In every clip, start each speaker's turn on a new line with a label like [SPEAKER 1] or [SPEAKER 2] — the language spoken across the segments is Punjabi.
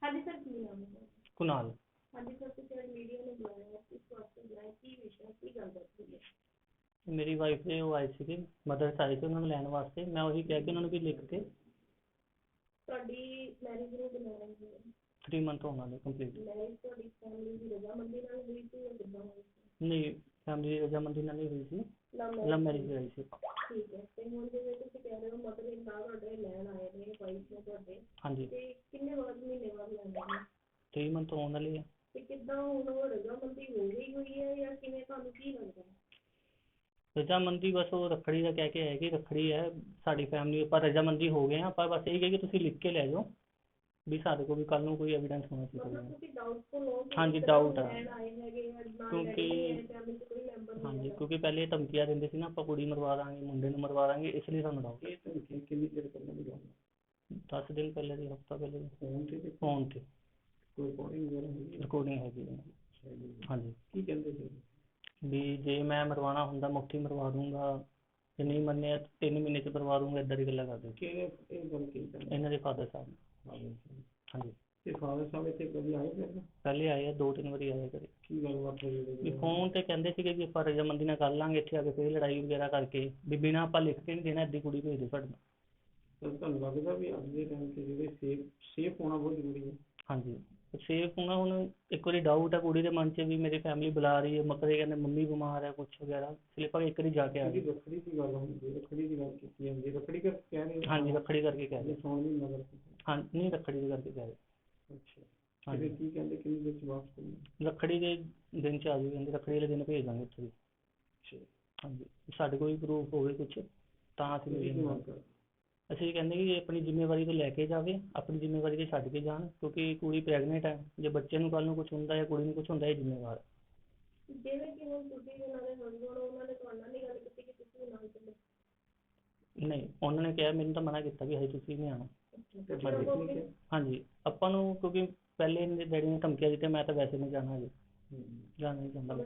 [SPEAKER 1] ਹਾਂਜੀ ਸਰ, ਕੀ ਨਾਮ ਹੈ?
[SPEAKER 2] ਕੁਨਾਲ।
[SPEAKER 1] ਹਾਂਜੀ ਸਰ, ਤੁਸੀਂ ਮੀਡੀਆ ਨੂੰ ਬੁਲਾਇਆ, ਇਸ ਵਾਸਤੇ ਬੁਲਾਇਆ, ਕੀ ਵਿਸ਼ਾ, ਕੀ ਗੱਲ ਦੱਸੀ ਹੈ?
[SPEAKER 2] ਮੇਰੀ ਵਾਈਫ ਦੇ ਉਹ ਆਏ ਸੀਗੇ, ਮਦਰਸ ਆਏ ਸੀ ਉਹਨਾਂ ਨੂੰ ਲੈਣ ਵਾਸਤੇ। ਮੈਂ ਉਹੀ ਕਿਹਾ ਕਿ ਉਹਨਾਂ ਨੂੰ ਵੀ ਲਿਖ ਕੇ
[SPEAKER 1] ਤੁਹਾਡੀ ਮੈਰਿਜ ਨੂੰ ਬੁਲਾਇਆ ਹੈ
[SPEAKER 2] 3 ਮੰਥ ਹੋਣ ਵਾਲੇ ਕੰਪਲੀਟ।
[SPEAKER 1] ਮੈਰਿਜ ਤੁਹਾਡੀ ਫੈਮਿਲੀ ਦੀ ਰਜ਼ਾਮੰਦੀ ਨਾਲ ਹੋਈ ਸੀ ਜਾਂ ਕਿੱਦਾਂ ਹੋਈ ਸੀ?
[SPEAKER 2] ਨਹੀਂ, ਫੈਮਿਲੀ ਦੀ ਰਜ਼ਾਮੰਦੀ ਨਾਲ ਨਹੀਂ ਹੋਈ ਸੀ, ਲਵ ਮੈਰਿਜ ਹੋਈ ਸੀ।
[SPEAKER 1] ਠੀਕ ਹੈ। ਤੇ ਹੁਣ ਜਿਵੇਂ ਤੁਸੀਂ ਕਹਿ ਰਹੇ ਹੋ ਮਦਰ ਇਨ ਲਾ ਤੁਹਾਡੇ ਲੈਣ ਆਏ ਨੇ, ਵਾਈਫ ਨੇ ਤੁਹਾਡੇ,
[SPEAKER 2] ਹਾਂਜੀ,
[SPEAKER 1] ਤੇ ਕਿੰਨੇ ਮਹੀਨੇ ਬਾਅਦ ਲੈਂਦੇ ਨੇ?
[SPEAKER 2] 3 ਮੰਥ ਹੋਣ ਵਾਲੇ ਆ।
[SPEAKER 1] ਤੇ ਕਿੱਦਾਂ ਹੁਣ ਉਹ ਰਜ਼ਾਮੰਦੀ ਹੋ ਗਈ ਹੋਈ ਹੈ ਜਾਂ ਕਿਵੇਂ, ਤੁਹਾਨੂੰ ਕੀ ਲੱਗਦਾ?
[SPEAKER 2] ਰਜ਼ਾਮੰਦੀ ਬਸ ਉਹ ਰੱਖੜੀ ਦਾ ਕਹਿ ਕੇ ਆਏ ਕਿ ਰੱਖੜੀ ਹੈ ਸਾਡੀ ਫੈਮਿਲੀ, ਆਪਾਂ ਰਜ਼ਾਮੰਦੀ ਹੋ ਗਏ ਆ, ਆਪਾਂ ਬਸ ਇਹ ਕਹੇ ਕਿ ਤੁਸੀਂ ਲਿਖ ਕੇ ਲੈ ਜਾਓ ਵੀ ਸਾਡੇ ਕੋਲ ਵੀ ਕੱਲ ਨੂੰ ਕੋਈ ਐਵੀਡੈਂਸ ਹੋਣਾ ਚਾਹੀਦਾ।
[SPEAKER 1] ਮਤਲਬ ਤੁਸੀਂ ਡਾਊਟਫੁਲ ਹੋ?
[SPEAKER 2] ਹਾਂਜੀ, ਡਾਊਟ ਆ,
[SPEAKER 1] ਲੈਣ ਆਏ ਹੈਗੇ ਆ, ਨਾਲ
[SPEAKER 2] ਕਿਉਂਕਿ
[SPEAKER 1] ਫੈਮਿਲੀ ਚ ਕੋਈ ਮੈਂਬਰ ਨਹੀਂ
[SPEAKER 2] ਹਾਂਜੀ,
[SPEAKER 1] ਹੈਗਾ।
[SPEAKER 2] ਕਿਉਂਕਿ ਪਹਿਲੇ ਧਮਕੀਆਂ ਦਿੰਦੇ ਸੀ ਨਾ, ਆਪਾਂ ਕੁੜੀ ਮਰਵਾ ਦਾਂਗੇ, ਮੁੰਡੇ ਨੂੰ ਮਰਵਾ ਦਾਂਗੇ, ਇਸ ਲਈ ਸਾਨੂੰ ਡਾਊਟ। ਇਹ ਧਮਕੀ ਕਿੰਨੀ ਦੇਰ ਪਹਿਲਾਂ ਦੀ ਗੱਲ ਹੈ? 10 ਦਿਨ ਪਹਿਲੇ ਦੀ, ਹਫਤਾ ਪਹਿਲੇ ਦੀ। ਫੋਨ ਤੇ ਕੋਈ ਰਿਕਾਰਡਿੰਗ ਹੈਗੀ ਹੈ। ਹਾਂਜੀ। ਕੀ ਕਹਿੰਦੇ ਸੀ ਵੀ ਜੇ ਮੈਂ ਮਰਵਾਉਣਾ ਹੁੰਦਾ ਮੁੱਠੀ ਮਰਵਾ ਦੂੰਗਾ, ਜੇ ਨਹੀਂ ਮੰਨਿਆ 3 ਮਹੀਨੇ ਚ ਮਰਵਾ ਦੂੰਗਾ, ਏਦਾਂ ਦੀ ਗੱਲਾਂ ਕਰਦੇ। ਇਹਨਾਂ ਦੇ ਫਾਦਰ ਸਾਹਿਬ। ਹਾਂਜੀ। ਤੇ ਫਾਦਰ ਸਾਹਿਬ ਇੱਥੇ ਕਦੀ ਆਏ? ਪਹਿਲੇ ਆਏ ਆ, 2-3 ਵਾਰੀ ਆਏ ਕਦੇ। ਕੀ ਗੱਲਬਾਤ ਹੋਈ? ਵੀ ਫੋਨ ਤੇ ਕਹਿੰਦੇ ਸੀਗੇ ਕਿ ਆਪਾਂ ਰਜ਼ਾਮੰਦੀ ਨਾਲ ਕਰ ਲਾਂਗੇ, ਇੱਥੇ ਆ ਕੇ ਫਿਰ ਲੜਾਈ ਵਗੈਰਾ ਕਰਕੇ ਵੀ ਬਿਨਾਂ ਆਪਾਂ ਲਿਖ ਕੇ ਨਹੀਂ ਦੇਣਾ, ਏਦੀ ਕੁੜੀ ਭੇਜ ਦਿਓ ਸਾਡੇ ਨਾਲ। ਤੁਹਾਨੂੰ ਲੱਗਦਾ ਵੀ ਅੱਜ ਦੇ ਟਾਈਮ ਤੇ ਜਿਹੜੇ ਸੇਫ ਹੋਣਾ ਬਹੁਤ ਜ਼ਰੂਰੀ ਹੈ? ਹਾਂਜੀ, ਸੇਫ ਹੋਣਾ। ਹੁਣ ਇੱਕ ਵਾਰੀ ਡਾਊਟ ਹੈ ਕੁੜੀ ਦੇ ਮਨ 'ਚ ਵੀ ਮੇਰੀ ਫੈਮਿਲੀ ਬੁਲਾ ਰਹੀ ਹੈ, ਮਕਰੇ ਕਹਿੰਦੇ ਮੰਮੀ ਬਿਮਾਰ ਹੈ ਕੁਛ ਵਗੈਰਾ, ਇਸ ਲਈ ਆਪਾਂ ਇੱਕ ਵਾਰੀ ਜਾ ਕੇ ਆ ਗਏ। ਰੱਖੜੀ ਦੀ ਗੱਲ ਹੁੰਦੀ, ਰੱਖੜੀ ਦੀ ਗੱਲ ਕੀਤੀ ਜਾਂਦੀ, ਰੱਖੜੀ ਕਰਕੇ ਕਹਿ ਰਹੇ? ਹਾਂਜੀ, ਰੱਖੜੀ ਕਰਕੇ ਕਹਿ ਰਹੇ। ਹਾਂ, ਨਹੀਂ, ਰੱਖੜੀ ਦੇ ਕਰਕੇ ਕਹਿ ਰਹੇ। ਅੱਛਾ। ਹਾਂਜੀ। ਕੀ ਕਹਿੰਦੇ ਕਿੰਨੀ ਦੇਰ ਚ ਵਾਪਸ ਕਰਨਾ? ਰੱਖੜੀ ਦੇ ਦਿਨ ਚ ਆ ਜਾਓ, ਕਹਿੰਦੇ ਰੱਖੜੀ ਵਾਲੇ ਦਿਨ ਭੇਜ ਦਾਂਗੇ ਉੱਥੇ ਵੀ। ਅੱਛਾ। ਹਾਂਜੀ, ਸਾਡੇ ਕੋਲ ਵੀ ਪ੍ਰੂਫ ਹੋਵੇ ਕੁਛ ਤਾਂ ਅਸੀਂ ਅਸੀਂ ਕਹਿੰਦੇ ਕਿ ਆਪਣੀ ਜ਼ਿੰਮੇਵਾਰੀ ਤੋਂ ਲੈ ਕੇ ਜਾਵੇ, ਆਪਣੀ ਜ਼ਿੰਮੇਵਾਰੀ ਤੇ ਛੱਡ ਕੇ ਜਾਣ, ਕਿਉਂਕਿ ਕੁੜੀ ਪ੍ਰੈਗਨੈਂਟ ਹੈ, ਜੇ ਬੱਚੇ ਨੂੰ ਕੱਲ ਨੂੰ ਕੁਛ ਹੁੰਦਾ ਜਾਂ ਕੁੜੀ ਨੂੰ ਕੁਛ ਹੁੰਦਾ, ਇਹ ਜ਼ਿੰਮੇਵਾਰ।
[SPEAKER 1] ਜਿਵੇਂ ਕਿ ਹੁਣ ਤੁਸੀਂ ਉਹਨਾਂ ਦੇ ਹਸਬੈਂਡ, ਉਹਨਾਂ ਨੇ ਤੁਹਾਡੇ ਨਾਲ ਨਹੀਂ ਗੱਲ ਕੀਤੀ ਕਿ ਤੁਸੀਂ ਨਾਲ ਚੱਲੋ? ਨਹੀਂ,
[SPEAKER 2] ਉਹਨਾਂ ਨੇ ਕਿਹਾ, ਮੈਨੂੰ ਤਾਂ ਮਨਾ ਕੀਤਾ ਵੀ ਹਜੇ ਤੁਸੀਂ ਨਹੀਂ ਆਉਣਾ। ਹਾਂਜੀ, ਆਪਾਂ ਨੂੰ ਕਿਉਂਕਿ ਪਹਿਲੇ ਮੇਰੇ ਡੈਡੀ ਨੇ ਧਮਕੀਆਂ ਦਿੱਤੀਆਂ, ਮੈਂ ਤਾਂ ਵੈਸੇ ਨਹੀਂ ਜਾਣਾ, ਹਜੇ ਜਾਣਾ ਨਹੀਂ ਚਾਹੁੰਦਾ।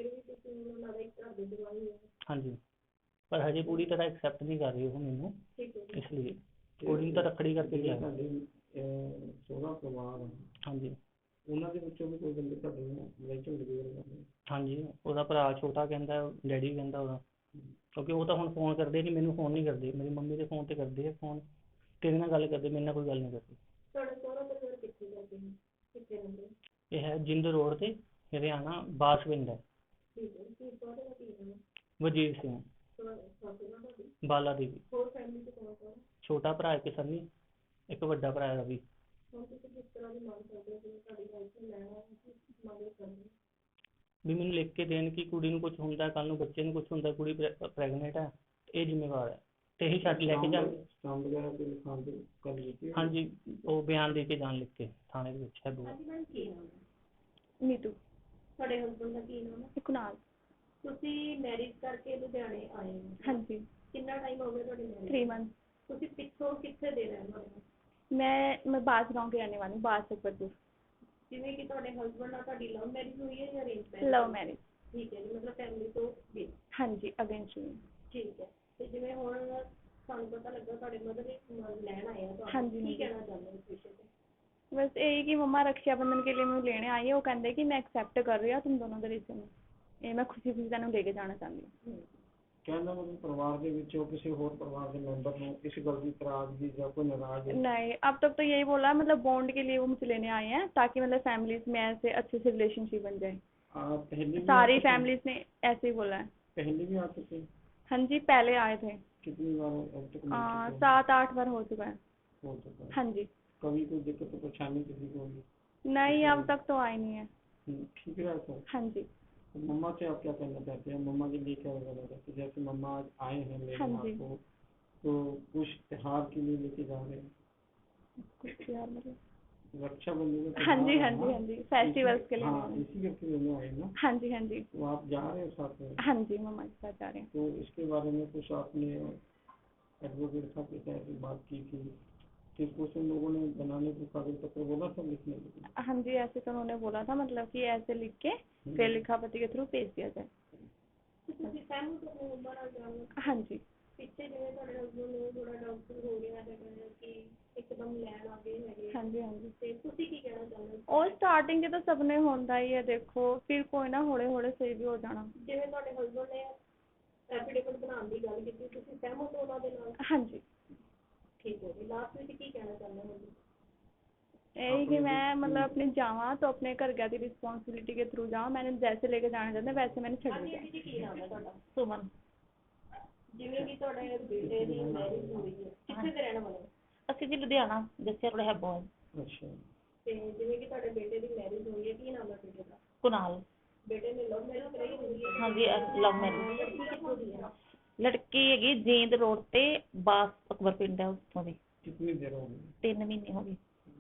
[SPEAKER 2] ਹਾਂਜੀ, ਪਰ ਹਜੇ ਪੂਰੀ ਤਰ੍ਹਾਂ ਐਕਸੈਪਟ ਨਹੀਂ ਕਰ ਰਹੀ ਉਹ ਮੈਨੂੰ, ਇਸ ਲਈ ਕੁੜੀ ਨੂੰ ਤਾਂ ਰੱਖੜੀ ਕਰਕੇ ਗਿਆ। ਸੋਹਰਾ ਪਰਿਵਾਰ, ਹਾਂਜੀ, ਉਹਨਾਂ ਦੇ ਵਿੱਚੋਂ ਵੀ ਕੋਈ ਬੰਦੇ ਤੁਹਾਡੇ ਨਾਲ ਝਗੜੇ? ਹਾਂਜੀ, ਉਹਦਾ ਭਰਾ ਛੋਟਾ ਕਹਿੰਦਾ, ਡੈਡੀ ਕਹਿੰਦਾ ਉਹਦਾ, ਕਿਉਂਕਿ ਉਹ ਤਾਂ ਹੁਣ ਫੋਨ ਕਰਦੇ ਨਹੀਂ, ਮੈਨੂੰ ਫੋਨ ਨਹੀਂ ਕਰਦੇ, ਮੇਰੀ ਮੰਮੀ ਦੇ ਫੋਨ ਤੇ ਕਰਦੇ ਆ ਫੋਨ, ਤੇਰੇ ਨਾਲ ਗੱਲ ਕਰਦੇ, ਮੇਰੇ ਨਾਲ ਕੋਈ ਗੱਲ ਨਹੀਂ ਕਰਦੇ। ਇਹ ਹੈ ਜਿੰਦ ਰੋਡ ਤੇ, ਹਰਿਆਣਾ, ਬਾਸਵਿੰਦ ਹੈ। ਵਜੀਰ ਸਿੰਘ, ਬਾਲਾ ਦੇਵੀ। ਛੋਟਾ ਭਰਾ ਇੱਕ ਸੰਨੀ, ਇੱਕ ਵੱਡਾ ਭਰਾ ਰਵੀ। ਵੀ ਮੈਨੂੰ ਲਿਖ ਕੇ ਦੇਣ ਕਿ ਕੁੜੀ ਨੂੰ ਕੁਛ ਹੁੰਦਾ, ਕੱਲ ਨੂੰ ਬੱਚੇ ਨੂੰ ਕੁਛ ਹੁੰਦਾ, ਕੁੜੀ ਪ੍ਰੈਗਨੈਂਟ ਹੈ, ਇਹ ਜ਼ਿੰਮੇਵਾਰ ਹੈ, ਤੇ ਇਹੀ ਛੱਡ ਲੈ ਕੇ ਜਾ। ਹਾਂਜੀ, ਉਹ ਬਿਆਨ ਦੇ ਕੇ ਜਾਣ, ਲਿਖ ਕੇ ਥਾਣੇ ਦੇ ਵਿੱਚ ਹੈ।
[SPEAKER 1] ਨੀਤੂ। ਤੁਹਾਡੇ ਹਸਬੈਂਡ ਦਾ ਕੀ ਨਾਮ ਹੈ? ਕੁਨਾਲ। ਤੁਸੀਂ ਮੈਰਿਜ ਕਰਕੇ ਲੁਧਿਆਣੇ ਆਏ ਹੋ? ਹਾਂਜੀ। ਕਿੰਨਾ ਟਾਈਮ ਹੋ ਗਿਆ ਤੁਹਾਡੀ ਮੈਰਿਜ? 3 ਮੰਥ। ਤੁਸੀਂ ਪਿੱਛੋਂ ਕਿੱਥੇ ਦੇ ਰਹਿਣ ਵਾਲੇ ਹੋ? ਮੈਂ ਬਾਸ गांव के रहने वाली हूँ, बास सकबरपुर। ਜਿਵੇਂ ਕਿ ਤੁਹਾਡੇ ਹਸਬੈਂਡ ਨਾਲ ਤੁਹਾਡੀ ਲਵ ਮੈਰਿਜ ਹੋਈ ਹੈ ਜਾਂ ਅਰੇਂਜ ਮੈਰਿਜ? Love marriage. ਠੀਕ ਹੈ ਜੀ, ਮਤਲਬ ਫੈਮਿਲੀ ਤੋਂ ਵੀ? ਹਾਂਜੀ, ਅਗੇਂਸਟ ਵੀ। ਠੀਕ ਹੈ। ਤੇ ਜਿਵੇਂ ਹੁਣ ਸਾਨੂੰ ਪਤਾ ਲੱਗਾ ਤੁਹਾਡੇ ਮਦਰ ਲੈਣ ਆਏ ਆ ਤੁਹਾਨੂੰ, ਕੀ ਕਹਿਣਾ ਚਾਹੁੰਦੇ ਹੋ ਇਸ ਵਿਸ਼ੇ ਤੇ? बस यही कि मम्मा रक्षाबंधन के लिए मैं लेने आई है, वो कहते कि मैं एक्सेप्ट कर रही हूँ तुम दोनों के रिश्ते में, ये मैं खुशी खुशी तेन लेके जाना चाहती हूँ।
[SPEAKER 2] कहना मतलब परिवार के विचों किसी और परिवार के मेंबर को इस गल की नाराजगी या कोई नाराज है?
[SPEAKER 1] नहीं, अब तक तो यही बोला, मतलब बॉन्ड के लिए वो मुझे लेने आए हैं ताकि मतलब फैमिलीज में ऐसे अच्छे से रिलेशनशिप बन जाए। सारी फैमिलीज ने ऐसे ही बोला है।
[SPEAKER 2] पहले भी आ चुके हैं?
[SPEAKER 1] हाँ जी, पहले आए थे।
[SPEAKER 2] कितनी बार?
[SPEAKER 1] 7-8 बार हो चुका है। हाँ जी।
[SPEAKER 2] कभी कोई दिक्कत परेशानी किसी को होगी?
[SPEAKER 1] नहीं, अब तक तो आई नहीं है।
[SPEAKER 2] ठीक है सर।
[SPEAKER 1] हाँ जी।
[SPEAKER 2] मम्मा से आप क्या कहना चाहते हैं? मम्मा के लिए क्या कहना चाहते हैं? जैसे मम्मा आज आए हैं लेने आपको, तो कुछ त्योहार के लिए लेके जा रहे हैं?
[SPEAKER 1] कुछ त्योहार मतलब
[SPEAKER 2] रक्षाबंधन?
[SPEAKER 1] हाँ जी, हाँ जी, हाँ जी, फेस्टिवल्स के लिए।
[SPEAKER 2] हाँ, इसी करके लेने आए ना?
[SPEAKER 1] हाँ जी, हाँ जी।
[SPEAKER 2] तो आप जा रहे हैं साथ में?
[SPEAKER 1] हाँ जी, मम्मा के साथ जा रहे हैं।
[SPEAKER 2] तो इसके बारे में कुछ आपने एडवोकेट साहब के साथ बात की थी कि कुछ उन लोगों ने बनाने को कागज पत्र बोला था लिखने के लिए?
[SPEAKER 1] हाँ जी, ऐसे तो उन्होंने बोला था, मतलब कि ऐसे लिख के फिर लिखापति के थ्रू भेज दिया जाए। हाँ जी। पिछले जिवें ਤੁਹਾਡੇ ਹਸਬੰਡ ਨੂੰ ਥੋੜਾ ਡਾਊਟਫੁਲ ਹੋ ਗਿਆ ਹੈ ਕਿ ਇੱਕ ਇੱਕਦਮ ਲੈਣ ਆ ਗਏ ਹੈਗੇ। ਹਾਂਜੀ ਹਾਂਜੀ। ਤੇ ਤੁਸੀਂ ਕੀ ਕਹਿਣਾ ਚਾਹੁੰਦੇ ਹੋ? ਉਹ ਸਟਾਰਟਿੰਗ 'ਚ ਤਾਂ ਸਭ ਨੇ ਹੁੰਦਾ ਹੀ ਹੈ ਦੇਖੋ, ਫਿਰ ਕੋਈ ਨਾ ਹੌਲੇ ਹੌਲੇ ਸਹੀ ਵੀ ਹੋ ਜਾਣਾ। ਜਿਵੇਂ ਤੁਹਾਡੇ ਹਸਬੈਂਡ ਨੇ ਐਫੀਡੇਵਿਟ ਬਣਾਉਣ ਦੀ ਗੱਲ ਕੀਤੀ, ਤੁਸੀਂ ਸਹਿਮਤ ਹੋ ਉਹਨਾਂ ਦੇ ਨਾਲ? ਹਾਂਜੀ। ਠੀਕ ਹੈ ਜੀ, ਲਾਸਟ ਵਿੱਚ ਕੀ ਕਹਿਣਾ ਚਾਹੁੰਦੇ ਹੋ ਜੀ? यही कि मैं मतलब अपने जावा तो अपने घर की रिस्पॉन्सिबिलिटी के थ्रू जाऊँ, मैंने जैसे लेके जाना चाहते वैसे मैंने छड़ दिया। ਕੀ ਨਾਮ ਹੈ ਤੁਹਾਡਾ? ਸੁਮਨ। ਜਿਵੇਂ ਕਿ ਤੁਹਾਡੇ ਬੇਟੇ ਦੀ ਮੈਰਿਜ ਹੋਈ ਹੈ, ਕਿੱਥੇ ਦੇ ਰਹਿਣ ਵਾਲੇ? ਅਸੀਂ ਜੀ ਲੁਧਿਆਣਾ, ਜੱਸੇ ਕੋਲ ਹੈ ਬਹੁਤ। ਅੱਛਾ। ਤੇ ਜਿਵੇਂ ਕਿ ਤੁਹਾਡੇ ਬੇਟੇ ਦੀ ਮੈਰਿਜ ਹੋਈ ਹੈ, ਕੀ ਨਾਮ ਹੈ ਬੇਟੇ ਦਾ? ਕੁਨਾਲ। ਬੇਟੇ ਨੇ ਲਵ ਮੈਰਿਜ ਕਰਾਈ ਹੋਈ ਹੈ? ਹਾਂਜੀ, ਲਵ ਮੈਰਿਜ। ਲੜਕੀ ਕਿੱਥੋਂ ਦੀ ਹੈ? ਲੜਕੀ ਹੈਗੀ ਜੀਂਦ ਰੋਡ ਤੇ ਬਾਸ ਅਕਬਰ ਪਿੰਡ ਹੈ ਉੱਥੋਂ ਦੀ। ਕਿੰਨੀ ਦੇਰ ਹੋ ਗਈ? 3 ਮਹੀਨੇ ਹੋ ਗਏ।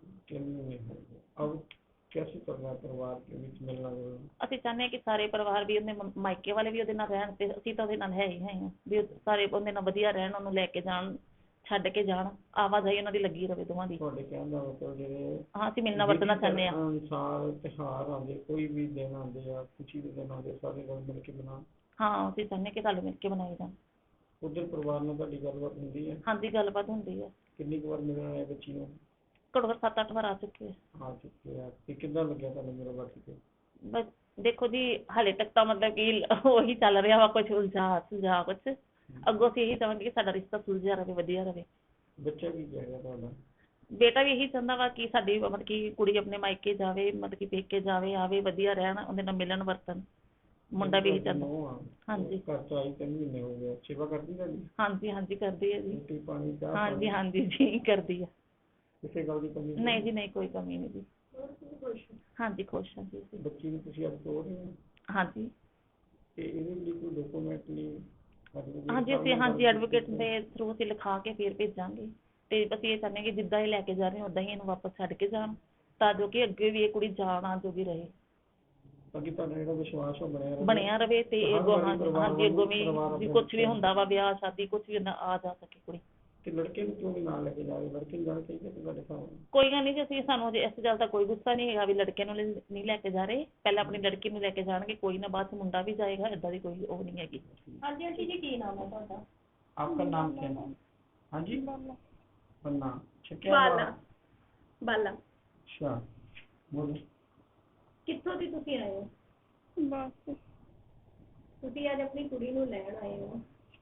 [SPEAKER 1] अब कैसे करना है परिवार के बीच मिलना जुलना? ਅਸੀਂ ਚਾਹੁੰਦੇ ਹਾਂ ਕਿ ਸਾਰੇ ਪਰਿਵਾਰ ਵੀ ਉਹਦੇ ਮਾਇਕੇ ਵਾਲੇ ਵੀ ਉਹਦੇ ਨਾਲ ਰਹਿਣ ਤੇ ਅਸੀਂ ਤਾਂ ਉਹਦੇ ਨਾਲ ਹੈ ਹੀ ਹਾਂ ਵੀ ਸਾਰੇ ਉਹਦੇ ਨਾਲ ਵਧੀਆ ਰਹਿਣ, ਉਹਨੂੰ ਲੈ ਕੇ ਜਾਣ, ਛੱਡ ਕੇ ਜਾਣ, ਆਵਾਜਾਈ ਉਹਨਾਂ ਦੀ ਲੱਗੀ ਰਵੇ ਦੋਵਾਂ ਦੀ। ਤੁਹਾਡੇ ਕਹਿਣ ਦਾ ਮਤਲਬ ਜਿਹੜੇ ਹਾਂ ਅਸੀਂ ਮਿਲਣਾ ਵਰਤਣਾ ਚਾਹੁੰਦੇ ਹਾਂ। ਅਨੁਸਾਰ ਤਿਉਹਾਰ ਆਉਂਦੇ, ਕੋਈ ਵੀ ਦਿਨ ਆਉਂਦੇ ਆ, ਖੁਸ਼ੀ ਦੇ ਦਿਨ ਆਉਂਦੇ, ਸਾਰੇ ਰਲ ਮਿਲ ਕੇ ਮਨਾਉਣ। ਹਾਂ ਅਸੀਂ ਚਾਹੁੰਦੇ ਕਿ ਰਲ ਮਿਲ ਕੇ ਮਨਾਏ ਜਾਣ। ਉੱਧਰ ਪਰਿਵਾਰ ਨਾਲ ਤੁਹਾਡੀ ਗੱਲਬਾਤ ਹੁੰਦੀ ਹੈ? ਹਾਂਜੀ ਗੱਲਬਾਤ ਹੁੰਦੀ ਹੈ। ਕਿੰਨੀ ਕੁ ਵਾਰ ਮਿਲਣ ਆਏ ਬੱਚੀ ਨੂੰ? ਘੱਟੋ ਘੱਟ 7-8 ਵਾਰ ਆ ਚੁੱਕੇ ਆ। ਤੇ ਕਿੱਦਾਂ ਲੱਗਿਆ ਤੁਹਾਨੂੰ ਮੇਰਾ ਬਾਕੀ ਤੇ? ਬਸ ਦੇਖੋ ਜੀ ਹਾਲੇ ਤੱਕ ਤਾਂ ਮਤਲਬ ਕਿ ਉਹੀ ਚੱਲ ਰਿਹਾ ਵਾ, ਕੁਝ ਸੁਲਝਾ ਕੁਝ। ਅੱਗੋਂ ਅਸੀਂ ਇਹੀ ਚਾਹਾਂਗੇ ਕਿ ਸਾਡਾ ਰਿਸ਼ਤਾ ਸੁਲਝਿਆ ਰਹੇ, ਵਧੀਆ ਰਹੇ। ਬੱਚਾ ਕੀ ਕਹਿ ਰਿਹਾ ਤੁਹਾਡਾ? ਬੇਟਾ ਵੀ ਇਹੀ ਚਾਹੁੰਦਾ ਵਾ ਕਿ ਸਾਡੀ ਮਤਲਬ ਕਿ ਕੁੜੀ ਆਪਣੇ ਮਾਇਕੇ ਜਾਵੇ, ਮਤਲਬ ਕਿ ਪੇਕੇ ਜਾਵੇ, ਆਵੇ, ਵਧੀਆ ਰਹਿਣ, ਉਹਦੇ ਨਾਲ ਮਿਲਣ ਵਰਤਣ। ਮੁੰਡਾ ਵੀ ਇਹੀ ਚਾਹੁੰਦਾ। ਹਾਂਜੀ। ਘਰ ਚ ਆਈ 3 ਮਹੀਨੇ ਹੋ ਗਏ, ਸੇਵਾ ਕਰਦੀ ਤੁਹਾਡੀ? ਹਾਂਜੀ ਹਾਂਜੀ ਕਰਦੀ ਹੈ ਜੀ। ਰੋਟੀ ਪਾਣੀ ਚਾਹ? ਹਾਂਜੀ ਹਾਂਜੀ ਜੀ ਕਰਦੀ ਆ। ਕਿਸੇ ਗੱਲ ਦੀ ਕਮੀ ਨਹੀਂ ਜੀ? ਨਹੀਂ ਕੋਈ ਕਮੀ ਨਹੀਂ ਜੀ। ਹਾਂਜੀ ਖੁਸ਼ ਹਾਂ ਜੀ। ਬੱਚੀ ਨੂੰ ਤੁਸੀਂ ਅੱਜ ਤੋਰ ਰਹੇ ਹੋ? ਹਾਂਜੀ। ਤੇ ਇਹਦੇ ਲਈ ਕੋਈ ਡਾਕੂਮੈਂਟ ਲਈ? ਹਾਂਜੀ ਅਸੀਂ ਹਾਂਜੀ ਐਡਵੋਕੇਟ ਦੇ ਥਰੂ ਅਸੀਂ ਲਿਖਾ ਕੇ ਫਿਰ ਭੇਜਾਂਗੇ। ਤੇ ਅਸੀਂ ਇਹ ਚਾਹੁੰਦੇ ਹਾਂ ਕਿ ਜਿੱਦਾਂ ਇਹ ਲੈ ਕੇ ਜਾ ਰਹੇ ਹਾਂ ਉੱਦਾਂ ਹੀ ਇਹਨੂੰ ਵਾਪਸ ਛੱਡ ਕੇ ਜਾਣ, ਤਾਂ ਜੋ ਕਿ ਅੱਗੇ ਵੀ ਇਹ ਕੁੜੀ ਜਾਣ ਆਉਣ ਜੋਗੀ ਰਹੇ। ਤਾਂ ਕਿ ਤੁਹਾਡਾ ਜਿਹੜਾ ਵਿਸ਼ਵਾਸ ਉਹ ਬਣਿਆ ਰਵੇ ਤੇ ਅੱਗੋਂ ਹਾਂਜੀ ਅੱਗੋਂ ਵੀ ਕੁਛ ਵੀ ਹੁੰਦਾ ਵਾ, ਵਿਆਹ ਸ਼ਾਦੀ ਕੁਛ ਵੀ ਹੁੰਦਾ, ਆ ਜਾ ਸਕੇ ਕੁੜੀ। ਤੇ ਲੜਕੇ ਨੂੰ ਕਿਉਂ ਨਹੀਂ ਨਾਲ ਲੈ ਕੇ ਜਾ ਰਹੇ? ਲੜਕੇ ਨੂੰ ਜਾਣਾ ਚਾਹੀਦਾ ਤੇ ਤੁਹਾਡੇ ਸਾਹਮਣੇ? ਕੋਈ ਗੱਲ ਨਹੀਂ ਜੀ, ਅਸੀਂ ਸਾਨੂੰ ਅਜੇ ਇਸ ਗੱਲ ਦਾ ਕੋਈ ਗੁੱਸਾ ਨਹੀਂ ਹੈਗਾ ਵੀ ਲੜਕੇ ਨੂੰ ਨਹੀਂ ਲੈ ਕੇ ਜਾ ਰਹੇ। ਪਹਿਲਾਂ ਆਪਣੀ ਲੜਕੀ ਨੂੰ ਲੈ ਕੇ ਜਾਣਗੇ, ਕੋਈ ਨਾ ਬਾਅਦ 'ਚ ਮੁੰਡਾ ਵੀ ਜਾਏਗਾ, ਏਦਾਂ ਦੀ ਕੋਈ ਉਹ ਨਹੀਂ ਹੈਗੀ। ਹਾਂਜੀ ਆਂਟੀ ਜੀ ਕੀ ਨਾਮ ਹੈ ਤੁਹਾਡਾ? आपका नाम क्या है? हाँ जी बन्ना। अच्छा क्या बाला? बाला। अच्छा बोलो। ਕਿੱਥੋਂ ਦੀ ਤੁਸੀਂ ਆਏ ਹੋ? ਬਸ। ਤੁਸੀਂ ਅੱਜ ਆਪਣੀ ਕੁੜੀ ਨੂੰ ਲੈਣ ਆਏ ਹੋ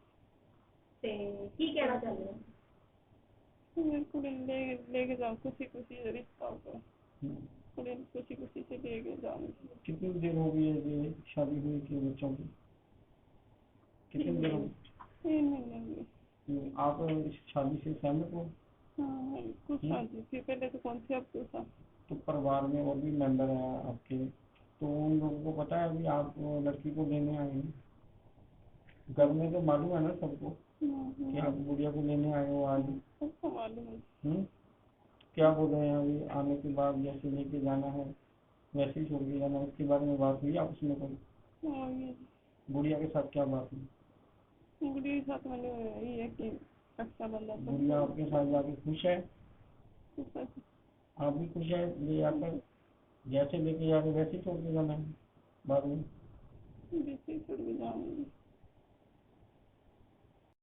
[SPEAKER 1] ਤੇ ਕੀ ਕਹਿਣਾ ਚਾਹੁੰਦੇ ਹੋ? मेरी कुड़ी लेके जाओ, खुशी खुशी रिश्ता होगा, कुड़ी खुशी खुशी से लेके जाऊंगी। कितनी देर हो गई है ये शादी हुई थी बच्चों की? कितने दिन? 3 महीने हुए। आप इस शादी से सहमत हो? हाँ कुछ शादी थी पहले तो कौन सी, अब तो था। तो परिवार में और भी मेंबर हैं आपके, तो उन लोगों को पता है अभी आप लड़की को लेने आए हैं? घर में तो मालूम है ना सबको कि आप गुड़िया को लेने आए हो आज? सबको मालूम है। क्या बोल रहे हैं अभी आने के बाद? जैसे लेके जाना है वैसे ही छोड़ के जाना, उसके बारे में बात हुई आपस में कोई? गुड़िया के साथ क्या बात हुई? गुड़िया के साथ मैंने यही है कि अच्छा बंदा। गुड़िया आपके साथ जाके खुश है? आप भी खुश है ले आकर? जैसे लेके जा रहे वैसे ही छोड़ के जाना है बाद में? जैसे ही छोड़ के जाऊंगी।